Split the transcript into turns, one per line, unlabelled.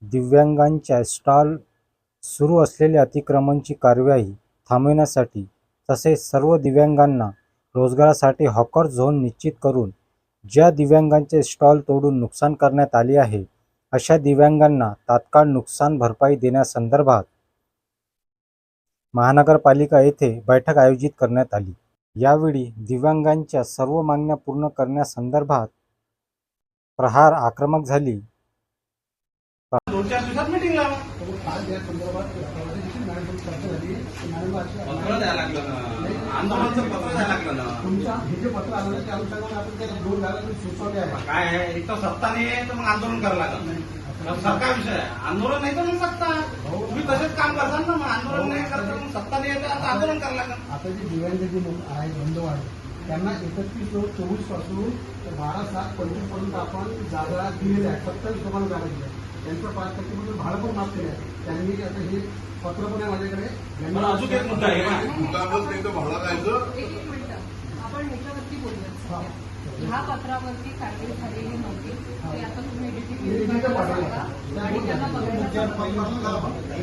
दिव्यांगांच्या स्टॉल सुरू असलेली अतिक्रमणाची कार्यवाही थांबविण्यासाठी तसेच सर्व दिव्यांगांना रोजगारासाठी हॉकर झोन निश्चित करून ज्या दिव्यांगांचे स्टॉल तोडून नुकसान करण्यात आले आहे अशा दिव्यांगांना तात्काळ नुकसान भरपाई देण्यासंदर्भात महानगरपालिका येथे बैठक आयोजित करण्यात आली। यावेळी दिव्यांगांच्या सर्व मागण्या पूर्ण करण्यासंदर्भात प्रहार आक्रमक झाली।
2-4 दिवसात मीटिंग लावा। पत्र द्यायला लागलं ना, आंदोलनाचं पत्र द्यायला लागलं ना।
तुमच्या हे जे पत्र आलं त्या अनुषंगाने आपण त्याला 2 झालं सुचवले आहे।
काय आहे, एक तर सत्ता नाही आहे तर मग आंदोलन करावं लागलं। सरकार विषय आहे, आंदोलन नाही तर मग सत्ता। तुम्ही तसेच काम करताल ना, मग आंदोलन नाही करता मग सत्ता नाही आहे तर आंदोलन करावं लागलं।
आता जे दिव्यांग जे लोक आहेत बंधू आहेत त्यांना 31/24 पासून 12/7/25 पर्यंत आपण जागा दिलेल्या आहेत। 27 लोकांना जागा दिल्या आहे। त्यांचं 5% म्हणून भाडं पण माफ केलं आहे। त्यांनी आता हे पत्र पण आहे माझ्याकडे।
मला अजून एक मुद्दा आहे ना,
एक मिनिट आपण ह्याच्यावरती बोलूया। ह्या पत्रावरती कारवाई झालेली नव्हती, ते आता तुम्ही एडिटिंग आणि त्यांना बघायला